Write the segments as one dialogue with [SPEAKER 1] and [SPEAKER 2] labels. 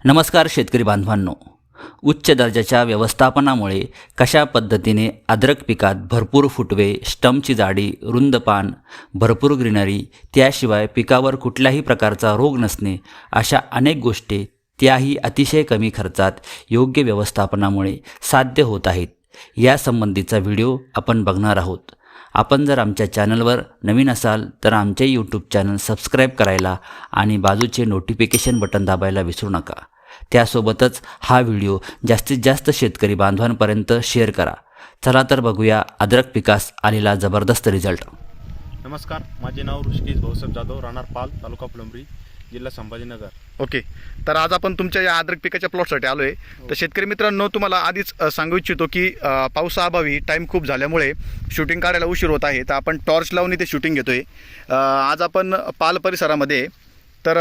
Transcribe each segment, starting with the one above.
[SPEAKER 1] नमस्कार शेतकरी बांधवांनो, उच्च दर्जाच्या व्यवस्थापनामुळे कशा पद्धतीने अद्रक पिकात भरपूर फुटवे, स्टमची जाडी, रुंद पान, भरपूर ग्रीनरी, त्याशिवाय पिकावर कुठल्याही प्रकारचा रोग नसणे, अशा अनेक गोष्टी त्याही अतिशय कमी खर्चात योग्य व्यवस्थापनामुळे साध्य होत आहेत, यासंबंधीचा व्हिडिओ आपण बघणार आहोत. आपण जर आमच्या चॅनलवर नवीन असाल तर आमचे यूट्यूब चॅनल सबस्क्राईब करायला आणि बाजूचे नोटिफिकेशन बटन दाबायला विसरू नका. त्यासोबतच हा व्हिडिओ जास्तीत जास्त शेतकरी बांधवांपर्यंत शेअर करा. चला तर बघूया अद्रक पिकास आलेला जबरदस्त रिझल्ट.
[SPEAKER 2] नमस्कार, माझे नाव ऋषिकेश भाऊसाहेब जाधव, राहणार पाल, तालुका फुलंब्री, जिल्हा संभाजीनगर.
[SPEAKER 3] ओके, तर आज आपण तुमच्या या अद्रक पिकाच्या प्लॉटसाठी आलो आहे. तर शेतकरी मित्रांनो, तुम्हाला आधीच सांगू इच्छितो की पावसाअभावी टाईम खूप झाल्यामुळे शूटिंग काढायला उशीर होत आहे. तर आपण टॉर्च लावून इथे शूटिंग घेतो आहे. आज आपण पाल परिसरामध्ये तर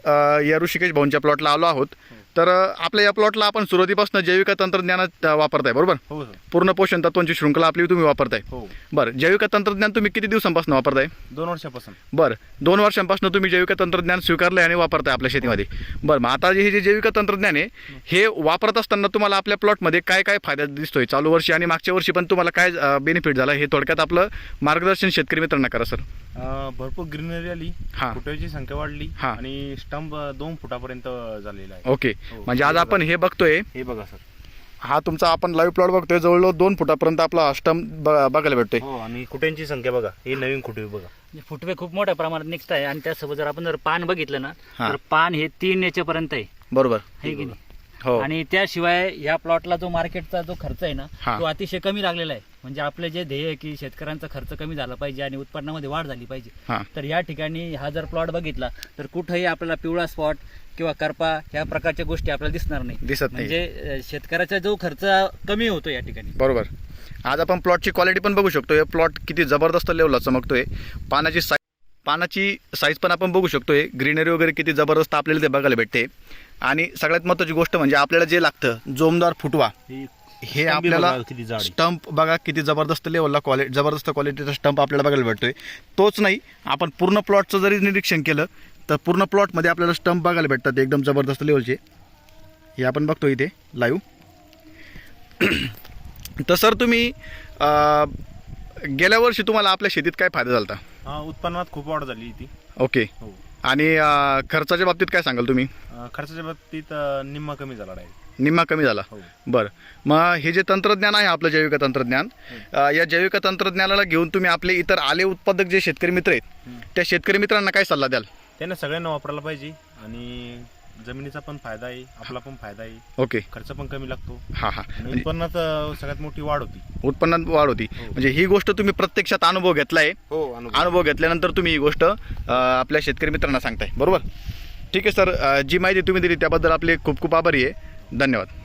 [SPEAKER 3] या ऋषिकेश भाऊंच्या प्लॉटला आलो आहोत. तर आपल्या या प्लॉटला आपण सुरुवातीपासून जैविक तंत्रज्ञानात वापरताय, बरोबर?
[SPEAKER 2] हो.
[SPEAKER 3] पूर्ण पोषण तत्वांची शृंखला आपली तुम्ही वापरताय.
[SPEAKER 2] हो.
[SPEAKER 3] बरं, जैविक तंत्रज्ञान तुम्ही किती दिवसांपासून वापरताय?
[SPEAKER 2] 2 वर्षापासून.
[SPEAKER 3] बरं, 2 वर्षांपासून तुम्ही जैविक तंत्रज्ञान स्वीकारलं आणि वापरताय आपल्या शेतीमध्ये. बरं, मग आता हे जे जैविक तंत्रज्ञान आहे हे वापरत असताना तुम्हाला आपल्या प्लॉटमध्ये काय काय फायदा दिसतोय? चालू वर्षी आणि मागच्या वर्षी पण तुम्हाला काय बेनिफिट झाला, हे थोडक्यात आपलं मार्गदर्शन शेतकरी मित्रांना करा सर.
[SPEAKER 2] भरपूर ग्रीनरी आली, फुटाची संख्या वाढली आणि स्टंप 2 फुटापर्यंत झालेला आहे.
[SPEAKER 3] ओके, म्हणजे आज आपण हे बघतोय,
[SPEAKER 2] हे बघा सर,
[SPEAKER 3] हा तुमचा आपण लाईव्ह प्लॉट बघतोय, जवळजवळ 2 फुटापर्यंत आपला स्टंप बघायला भेटतोय.
[SPEAKER 2] हो, आणि कुट्यांची संख्या बघा, हे नवीन कुटे बघा,
[SPEAKER 1] फुटवे खूप मोठ्या प्रमाणात निघत आहे. आणि त्यासोबत जर आपण पान बघितलं ना तर पान हे 3 याच्यापर्यंत आहे,
[SPEAKER 3] बरोबर
[SPEAKER 1] आहे की नाही?
[SPEAKER 3] हो.
[SPEAKER 1] आणि त्याशिवाय या प्लॉटला जो मार्केटचा जो खर्च आहे ना तो अतिशय कमी लागलेला आहे. म्हणजे आपले जे ध्येय आहे की शेतकऱ्यांचा खर्च कमी झाला पाहिजे आणि उत्पन्नामध्ये वाढ झाली पाहिजे. तर या ठिकाणी हा जर प्लॉट बघितला तर कुठेही आपल्याला पिवळा स्पॉट किंवा करपा ह्या प्रकारच्या गोष्टी आपल्याला दिसणार नाही. म्हणजे शेतकऱ्याचा जो खर्च कमी होतो या ठिकाणी,
[SPEAKER 3] बरोबर. आज आपण प्लॉटची क्वालिटी पण बघू शकतोय. प्लॉट किती जबरदस्त लेवलला चमकतोय. पानाची साईज पण आपण बघू शकतोय. ग्रीनरी वगैरे किती जबरदस्त आपल्याला ते बघायला भेटते. आणि सगळ्यात महत्त्वाची गोष्ट म्हणजे आपल्याला जे लागतं जोमदार फुटवा, हे आपल्याला स्टंप बघा किती जबरदस्त लेवलला जबरदस्त क्वालिटीचा स्टंप आपल्याला बघायला भेटतोय. तोच नाही, आपण पूर्ण प्लॉटचं जरी निरीक्षण केलं तर पूर्ण प्लॉटमध्ये आपल्याला स्टंप बघायला भेटतात एकदम जबरदस्त लेवलचे. हे आपण बघतो इथे लाईव्ह. तर सर, तुम्ही गेल्या वर्षी तुम्हाला आपल्या शेतीत काय फायदा झाला?
[SPEAKER 2] उत्पन्नात खूप वाढ झाली ती.
[SPEAKER 3] ओके. आणि खर्चाच्या बाबतीत काय सांगाल तुम्ही?
[SPEAKER 2] खर्चाच्या बाबतीत निम्मा कमी झाला, डायरेक्ट
[SPEAKER 3] निम्मा कमी झाला. बरं, मग हे जे तंत्रज्ञान आहे आपलं जैविक तंत्रज्ञान, या जैविक तंत्रज्ञानाला घेऊन तुम्ही आपले इतर आले उत्पादक जे शेतकरी मित्र आहेत त्या शेतकरी मित्रांना काय सल्ला द्याल?
[SPEAKER 2] त्यांना सगळ्यांना वापरायला पाहिजे. आणि जमिनीचा पण फायदा आहे, आपला पण फायदा आहे.
[SPEAKER 3] ओके.
[SPEAKER 2] खर्च पण कमी लागतो.
[SPEAKER 3] उत्पन्नात
[SPEAKER 2] सगळ्यात मोठी वाढ होती.
[SPEAKER 3] उत्पन्नात वाढ होती. म्हणजे ही गोष्ट तुम्ही प्रत्यक्षात अनुभव घेतलाय. अनुभव घेतल्यानंतर तुम्ही ही गोष्ट आपल्या शेतकरी मित्रांना सांगताय, बरोबर? ठीक आहे सर, जी माहिती तुम्ही दिली त्याबद्दल आपले खूप खूप आभारी आहे. धन्यवाद.